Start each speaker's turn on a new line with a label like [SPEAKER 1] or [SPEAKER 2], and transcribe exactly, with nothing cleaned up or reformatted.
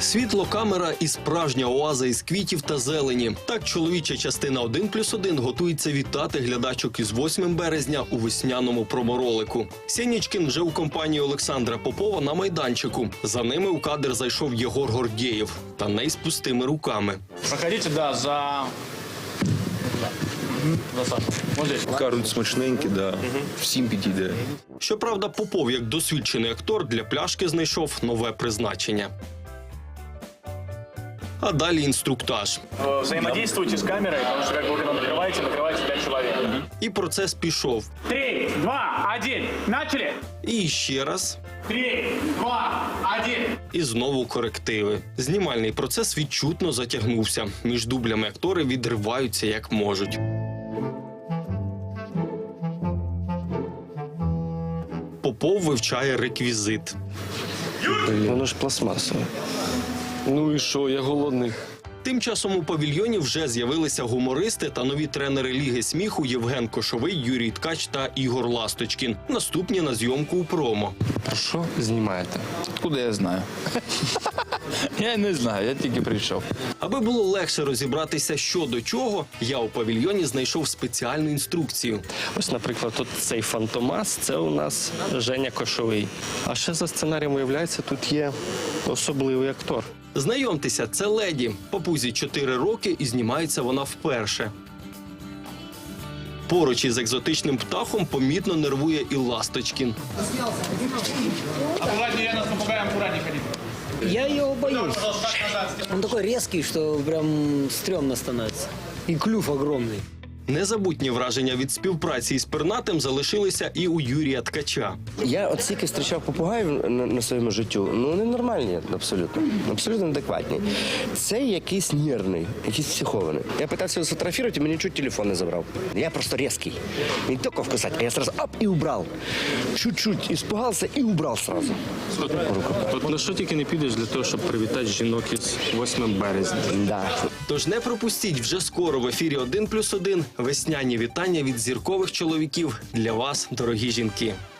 [SPEAKER 1] Світло, камера і справжня оаза із квітів та зелені. Так чоловіча частина один плюс один готується вітати глядачок із восьмим березня у весняному проморолику. Сєнічкін вже у компанії Олександра Попова на майданчику. За ними у кадр зайшов Єгор Гордєєв. Та не з пустими руками.
[SPEAKER 2] Проходите, да, за... За Сашу. Вот здесь.
[SPEAKER 3] Кажуть, смачненькі, да. Всім підійде.
[SPEAKER 1] Щоправда, Попов, як досвідчений актор, для пляшки знайшов нове призначення. А далі інструктаж.
[SPEAKER 2] Взаимодействуйте с камерой, потому что, как вы когда накрываете, накрываете пять человек.
[SPEAKER 1] І процес пішов.
[SPEAKER 2] Три, два, один. Начали!
[SPEAKER 1] І ще раз.
[SPEAKER 2] Три, два, один.
[SPEAKER 1] І знову корективи. Знімальний процес відчутно затягнувся. Між дублями актори відриваються як можуть. Попов вивчає реквізит.
[SPEAKER 4] Воно ж пластмасове. Ну і що, я голодний.
[SPEAKER 1] Тим часом у павільйоні вже з'явилися гумористи та нові тренери Ліги сміху Євген Кошовий, Юрій Ткач та Ігор Ласточкін. Наступні на зйомку у промо.
[SPEAKER 4] Що знімаєте?
[SPEAKER 5] Откуда я знаю? Я не знаю, я тільки прийшов.
[SPEAKER 1] Аби було легше розібратися, що до чого, я у павільйоні знайшов спеціальну інструкцію.
[SPEAKER 4] Ось, наприклад, тут цей фантомас, це у нас Женя Кошовий. А ще за сценарієм, виявляється, тут є особливий актор.
[SPEAKER 1] Знайомтеся, це леді. Попузі чотири роки і знімається вона вперше. Поруч із екзотичним птахом помітно нервує і Ласточкін.
[SPEAKER 2] Аккуратнее, я нас попугаем, аккуратнее ходить.
[SPEAKER 6] Я его боюсь. Он такой резкий, что прям стрёмно становится. И клюв огромный.
[SPEAKER 1] Незабутні враження від співпраці із пернатим залишилися і у Юрія Ткача.
[SPEAKER 7] Я от стільки зустрічав попугаїв на, на своєму життю, ну вони нормальні абсолютно, абсолютно адекватні. Цей якийсь нервний, якийсь психований. Я питався його сфотографувати, і мені чуть телефон не забрав. Я просто різкий. Не тільки вкусати, а я сразу оп, і убрав. Чуть-чуть испугався і убрав сразу.
[SPEAKER 4] От на що тільки не підеш для того, щоб привітати жінок із восьмим березня.
[SPEAKER 7] Да.
[SPEAKER 1] Тож не пропустіть, вже скоро в ефірі один плюс один весняні вітання від зіркових чоловіків для вас, дорогі жінки.